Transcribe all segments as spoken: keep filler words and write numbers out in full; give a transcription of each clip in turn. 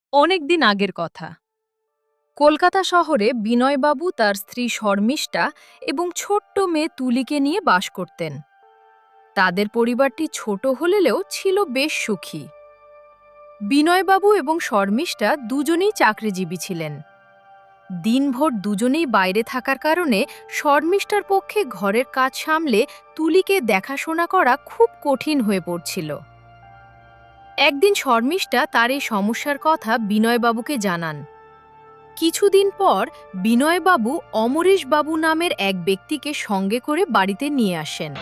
অনেক দিন আগের কথা। কলকাতা শহরে বিনয়বাবু তার স্ত্রী শর্মিষ্ঠা এবং ছোট্ট মেয়ে তুলিকে নিয়ে বাস করতেন। তাদের পরিবারটি ছোট হলেও ছিল বেশ সুখী। বিনয়বাবু এবং শর্মিষ্ঠা দুজনেই চাকরিজীবী ছিলেন। দিনভর দুজনেই বাইরে থাকার কারণে শর্মিষ্ঠার পক্ষে ঘরের কাজ সামলে তুলিকে দেখাশোনা করা খুব কঠিন হয়ে পড়ছিল। একদিন শর্মিষ্ঠা তার এই সমস্যার কথা বিনয়বাবুকে জানান। কিছুদিন পর বিনয়বাবু অমরেশবাবু নামের এক ব্যক্তিকে সঙ্গে করে বাড়িতে নিয়ে আসেন।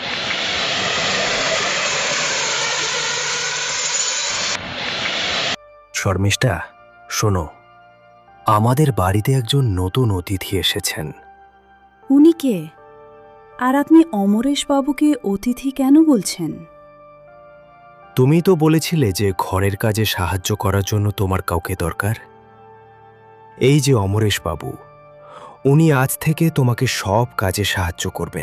শর্মিষ্ঠা, শোনো, আমাদের বাড়িতে একজন নতুন অতিথি এসেছেন। উনি কে? আর আপনি অমরেশবাবুকে অতিথি কেন বলছেন? তুমি তো বলেছিলে যে ঘরের কাজে সাহায্য করার জন্য তোমার কাউকে দরকার। এই যে অমরেশবাবু, উনি আজ থেকে তোমাকে সব কাজে সাহায্য করবেন।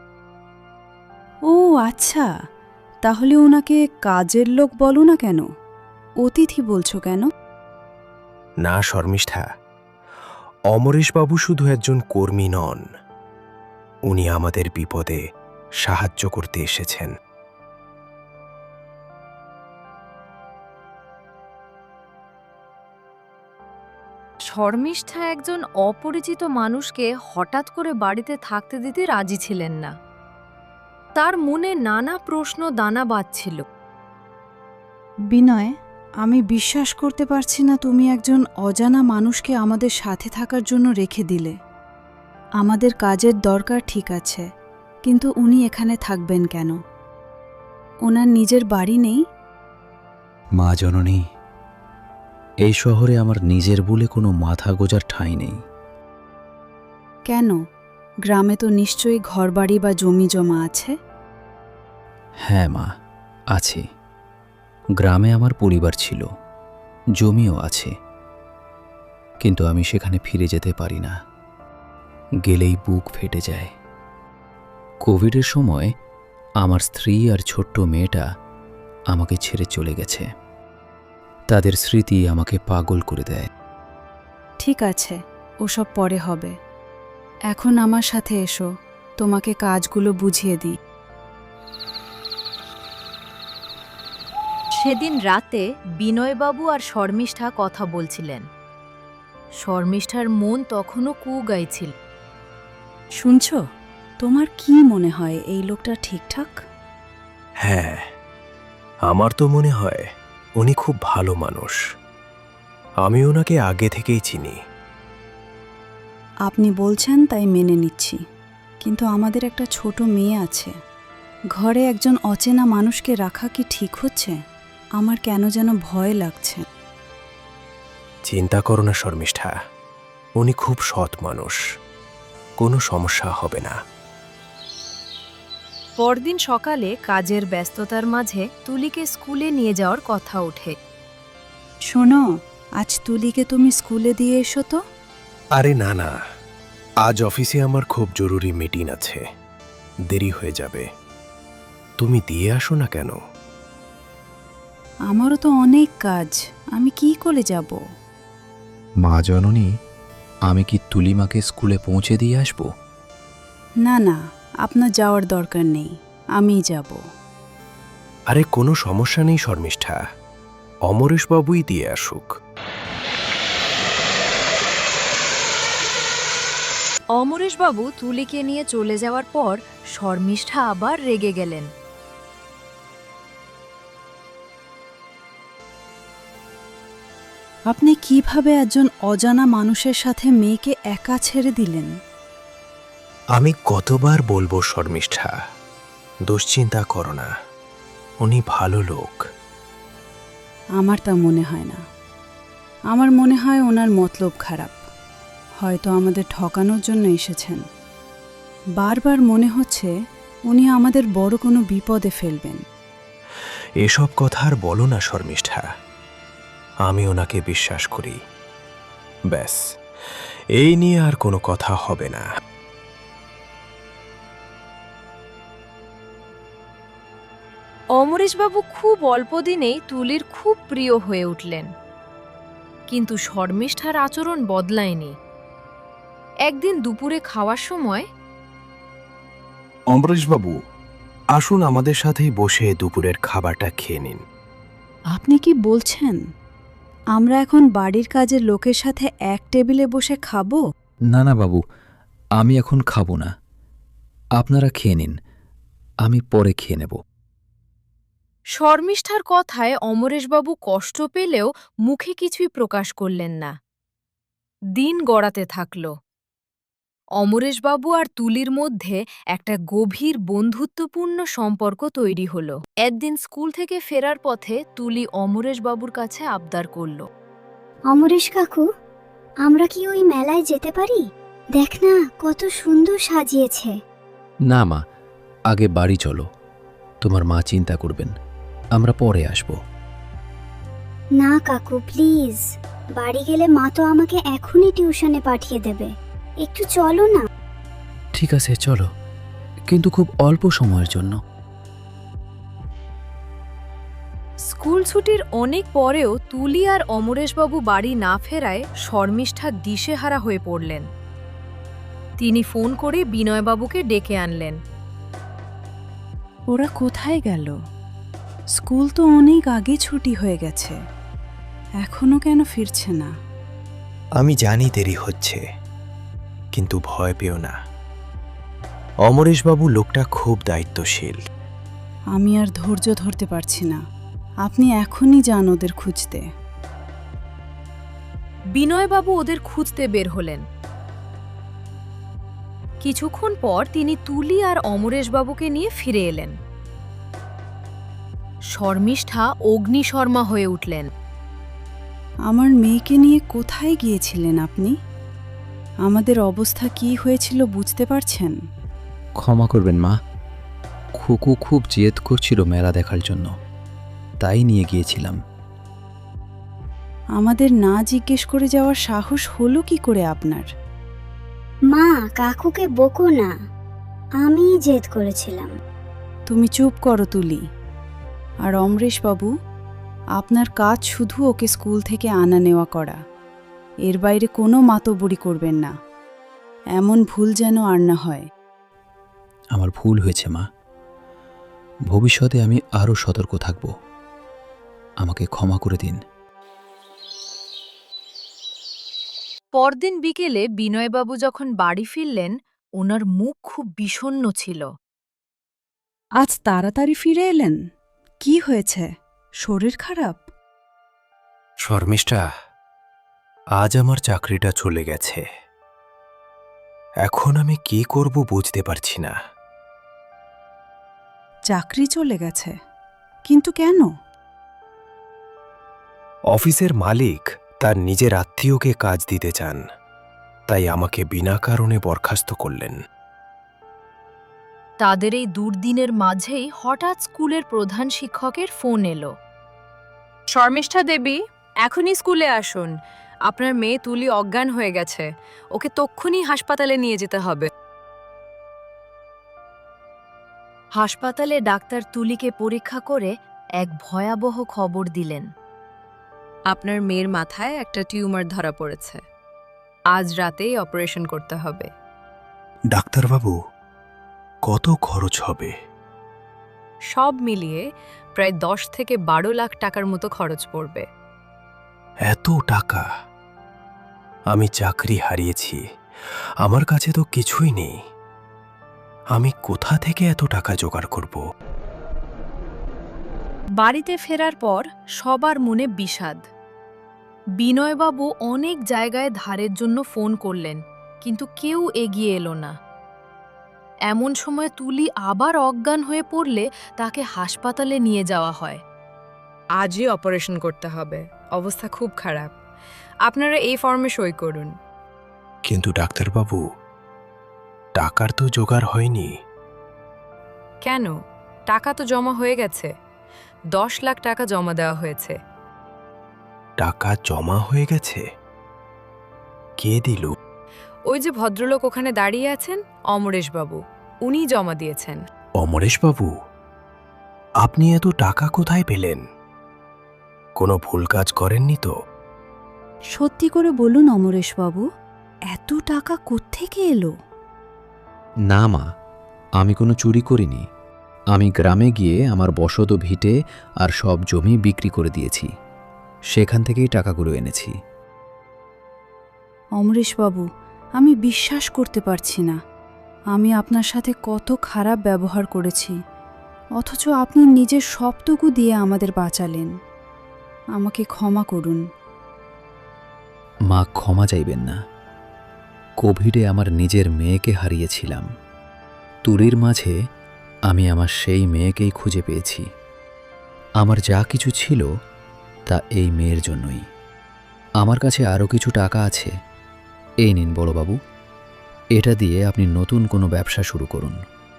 ও আচ্ছা, তাহলে ওনাকে কাজের লোক বলো না কেন? অতিথি বলছো কেন? না শর্মিষ্ঠা, অমরেশবাবু শুধু একজন কর্মী নন, উনি আমাদের বিপদে সাহায্য করতে এসেছেন। শর্মিষ্ঠা একজন অপরিচিত মানুষকে হঠাৎ করে বাড়িতে থাকতে দিতে রাজি ছিলেন না। তার মনে নানা প্রশ্ন দানা বাঁধছিল। বিনয়, আমি বিশ্বাস করতে পারছি না তুমি একজন অজানা মানুষকে আমাদের সাথে থাকার জন্য রেখে দিলে। আমাদের কাজের দরকার ঠিক আছে, কিন্তু উনি এখানে থাকবেন কেন? ওনার নিজের বাড়ি নেই? মা জননী, এই শহরে আমার নিজের বলে কোনো মাথা গোজার ঠাঁই নেই। কেন? গ্রামে তো নিশ্চয়ই ঘরবাড়ি বা জমি জমা আছে। হ্যাঁ মা, আছে। গ্রামে আমার পরিবার ছিল, জমিও আছে, কিন্তু আমি সেখানে ফিরে যেতে পারি না। গেলেই বুক ফেটে যায়। কোভিডের সময় আমার স্ত্রী আর ছোট্ট মেয়েটা আমাকে ছেড়ে চলে গেছে। তাদের স্মৃতি আমাকে পাগল করে দেয়। ঠিক আছে, ওসব পরে হবে। এখন আমার সাথে এসো, তোমাকে কাজগুলো বুঝিয়ে দিই। সেদিন রাতে বিনয়বাবু আর শর্মিষ্ঠা কথা বলছিলেন। শর্মিষ্ঠার মন তখনও কু গাইছিল। শুনছ? তোমার কি মনে হয় এই লোকটা ঠিকঠাক? হ্যাঁ, আমার তো মনে হয় উনি খুব ভালো মানুষ। আমি ওনাকে আগে থেকেই চিনি। আপনি বলছেন তাই মেনে নিচ্ছি, কিন্তু আমাদের একটা ছোট মেয়ে আছে। ঘরে একজন অচেনা মানুষকে রাখা কি ঠিক হচ্ছে? আমার কেন যেন ভয় লাগছে। চিন্তা করো না শর্মিষ্ঠা, উনি খুব সৎ মানুষ, কোনো সমস্যা হবে না। পরদিন সকালে কাজের ব্যস্ততার মাঝে তুলিকে স্কুলে নিয়ে যাওয়ার কথা ওঠে। শোনো, আজ তুলিকে তুমি স্কুলে দিয়ে এসো তো। আরে না না, আজ অফিসে আমার খুব জরুরি মিটিং আছে, দেরি হয়ে যাবে। তুমি দিয়ে আসো না কেন? আমারও তো অনেক কাজ, আমি কি করে যাব? মা জননী, আমি কি তুলিমাকে স্কুলে পৌঁছে দিয়ে আসব? না না, আপনার যাওয়ার দরকার নেই, আমিই যাব। আরে কোনো সমস্যা নেই শর্মিষ্ঠা, অমরেশবাবুই দিয়ে আসুক। অমরেশবাবু তুলিকে নিয়ে চলে যাওয়ার পর শর্মিষ্ঠা আবার রেগে গেলেন। আপনি কিভাবে একজন অজানা মানুষের সাথে মেয়েকে একা ছেড়ে দিলেন? আমি কতবার বলবো শর্মিষ্ঠা, দুশ্চিন্তা করো না, উনি ভালো লোক। আমার তা মনে হয় না। আমার মনে হয় ওনার মতলব খারাপ, হয়তো আমাদের ঠকানোর জন্য এসেছেন। বারবার মনে হচ্ছে উনি আমাদের বড় কোনো বিপদে ফেলবেন। এসব কথা আর বলো না শর্মিষ্ঠা, আমি ওনাকে বিশ্বাস করি। ব্যাস, এই নিয়ে আর কোনো কথা হবে না। অমরেশবাবু খুব অল্প দিনেই তুলির খুব প্রিয় হয়ে উঠলেন। কিন্তু শর্মিষ্ঠার আচরণ বদলায়নি। একদিন দুপুরে খাওয়ার সময় অমরেশবাবু, আসুন আমাদের সাথেই বসে দুপুরের খাবারটা খেয়ে নিন। আপনি কি বলছেন আমরা এখন বাড়ির কাজের লোকের সাথে এক টেবিলে বসে খাবো? না না বাবু, আমি এখন খাবো না। আপনারা খেয়ে নিন, আমি পরে খেয়ে নেব। শর্মিষ্ঠার কথায় অমরেশবাবু কষ্ট পেলেও মুখে কিছুই প্রকাশ করলেন না। দিন গড়াতে থাকল। অমরেশবাবু আর তুলির মধ্যে একটা গভীর বন্ধুত্বপূর্ণ সম্পর্ক তৈরি হল। একদিন স্কুল থেকে ফেরার পথে তুলি অমরেশবাবুর কাছে আবদার করল, অমরেশ কাকু, আমরা কি ওই মেলায় যেতে পারি? দেখ না কত সুন্দর সাজিয়েছে। না মা, আগে বাড়ি চলো। তোমার মা চিন্তা করবেন, আমরা পরে আসব। না কাকু প্লিজ, বাড়ি গেলে মা তো আমাকে এখনই টিউশনে পাঠিয়ে দেবে। একটু চলো না। ঠিক আছে চলো, কিন্তু খুব অল্প সময়ের জন্য। স্কুল ছুটির অনেক পরেও তুলি আর অমরেশবাবু বাড়ি না ফেরায় শর্মিষ্ঠা দিশেহারা হয়ে পড়লেন। তিনি ফোন করে বিনয়বাবুকে ডেকে আনলেন। ওরা কোথায় গেল? স্কুল তো অনেক আগে ছুটি হয়ে গেছে, এখনো কেন ফিরছে না? আমি জানি দেরি হচ্ছে, কিন্তু ভয় পেও না। অমরেশবাবু লোকটা খুব দায়িত্বশীল। আমি আর ধৈর্য ধরতে পারছি না, আপনি এখনই যান ওদের খুঁজতে। বিনয়বাবু ওদের খুঁজতে বের হলেন। কিছুক্ষণ পর তিনি তুলি আর অমরেশবাবুকে নিয়ে ফিরে এলেন। শর্মিষ্ঠা অগ্নিশর্মা হয়ে উঠলেন। আমার মেয়েকে নিয়ে কোথায় গিয়েছিলেন আপনি? আমাদের অবস্থা কি হয়েছিল বুঝতে পারছেন? ক্ষমা করবেন মা, খুকু খুব জেদ করছিল মেলা দেখার জন্য, তাই নিয়ে গিয়েছিলাম। আমাদের না জিজ্ঞেস করে যাওয়ার সাহস হলো কি করে আপনার? মা, কাকুকে বকো না, আমিই জেদ করেছিলাম। তুমি চুপ করো তুলি। আর অমরেশ বাবু, আপনার কাজ শুধু ওকে স্কুল থেকে আনা নেওয়া করা, এর বাইরে কোনো মাতব্বরি করবেন না। এমন ভুল যেন আর না হয়। আমার ভুল হয়েছে মা, ভবিষ্যতে আমি আরও সতর্ক থাকব। আমাকে ক্ষমা করে দিন। পরদিন বিকেলে বিনয়বাবু যখন বাড়ি ফিরলেন, ওনার মুখ খুব বিষণ্ণ ছিল। আজ তাড়াতাড়ি ফিরে এলেন, কি হয়েছে? শরীর খারাপ? শর্মিষ্ঠা, আজ আমার চাকরিটা চলে গেছে। এখন আমি কি করব বুঝতে পারছি না। চাকরি চলে গেছে? কিন্তু কেন? অফিসের মালিক তার নিজের আত্মীয়কে কাজ দিতে চান, তাই আমাকে বিনা কারণে বরখাস্ত করলেন। তাদের এই দুর্দিনের মাঝেই হঠাৎ স্কুলের প্রধান শিক্ষকের ফোন এলো। শর্মিষ্ঠা দেবী, এখনই স্কুলে আসুন। আপনার মেয়ে তুলি অজ্ঞান হয়ে গেছে, ওকে তক্ষুনি হাসপাতালে নিয়ে যেতে হবে। হাসপাতালে ডাক্তার তুলিকে পরীক্ষা করে এক ভয়াবহ খবর দিলেন। আপনার মেয়ের মাথায় একটা টিউমার ধরা পড়েছে, আজ রাতেই অপারেশন করতে হবে। ডাক্তারবাবু, কত খরচ হবে? সব মিলিয়ে প্রায় দশ থেকে বারো লাখ টাকার মতো খরচ পড়বে। এত টাকা? আমি চাকরি হারিয়েছি, আমার কাছে তো কিছুই নেই। আমি কোথা থেকে এত টাকা জোগাড় করব? বাড়িতে ফেরার পর সবার মনে বিষাদ। বিনয়বাবু অনেক জায়গায় ধারের জন্য ফোন করলেন, কিন্তু কেউ এগিয়ে এলো না। এমন সময় তুলি আবার অজ্ঞান হয়ে পড়লে তাকে হাসপাতালে নিয়ে যাওয়া হয়। আজই অপারেশন করতে হবে, অবস্থা খুব খারাপ। আপনারা এই ফর্মে সই করুন। কিন্তু ডাক্তারবাবু, টাকার তো জোগাড় হয়নি। কেন? টাকা তো জমা হয়ে গেছে, দশ লাখ টাকা জমা দেওয়া হয়েছে। টাকা জমা হয়ে গেছে? কে দিল? ওই যে ভদ্রলোক ওখানে দাঁড়িয়ে আছেন, অমরেশবাবু, উনি জমা দিয়েছেন। অমরেশবাবু, আপনি এত টাকা কোথায় পেলেন? কোনো ভুল কাজ করেননি তো? সত্যি করে বলুন অমরেশবাবু, এত টাকা কোত্থেকে এলো? না মা, আমি কোনো চুরি করিনি। আমি গ্রামে গিয়ে আমার বসত ভিটে আর সব জমি বিক্রি করে দিয়েছি। সেখান থেকেই টাকাগুলো এনেছি। অমরেশবাবু, আমি বিশ্বাস করতে পারছি না। আমি আপনার সাথে কত খারাপ ব্যবহার করেছি, অথচ আপনি নিজের সবটুকু দিয়ে আমাদের বাঁচালেন। আমাকে ক্ষমা করুন। মা, ক্ষমা চাইবেন না। কোভিডে আমার নিজের মেয়েকে হারিয়েছিলাম। তুলির মাঝে আমি আমার সেই মেয়েকেই খুঁজে পেয়েছি। আমার যা কিছু ছিল তা এই মেয়ের জন্যই। আমার কাছে আরও কিছু টাকা আছে। এই নিন বড়বাবু, এটা দিয়ে আপনি নতুন কোনো ব্যবসা শুরু করুন।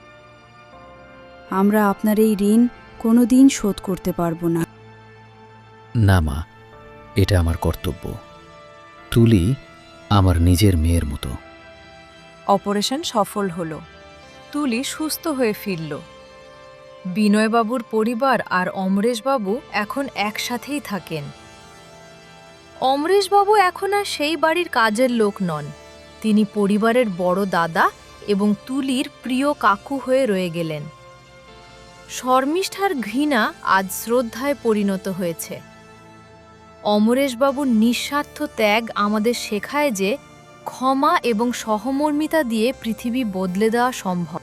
আমরা আপনার এই ঋণ কোনো দিন শোধ করতে পারবো না। না মা, এটা আমার কর্তব্য। তুলি আমার নিজের মেয়ের মতো। অপারেশন সফল হলো। তুলি সুস্থ হয়ে ফিরল। বিনয়বাবুর পরিবার আর অমরেশবাবু এখন একসাথেই থাকেন। অমরেশবাবু এখন আর সেই বাড়ির কাজের লোক নন। তিনি পরিবারের বড় দাদা এবং তুলির প্রিয় কাকু হয়ে রয়ে গেলেন। শর্মিষ্ঠার ঘৃণা আজ শ্রদ্ধায় পরিণত হয়েছে। অমরেশবাবুর নিঃস্বার্থ ত্যাগ আমাদের শেখায় যে ক্ষমা এবং সহমর্মিতা দিয়ে পৃথিবী বদলে দেওয়া সম্ভব।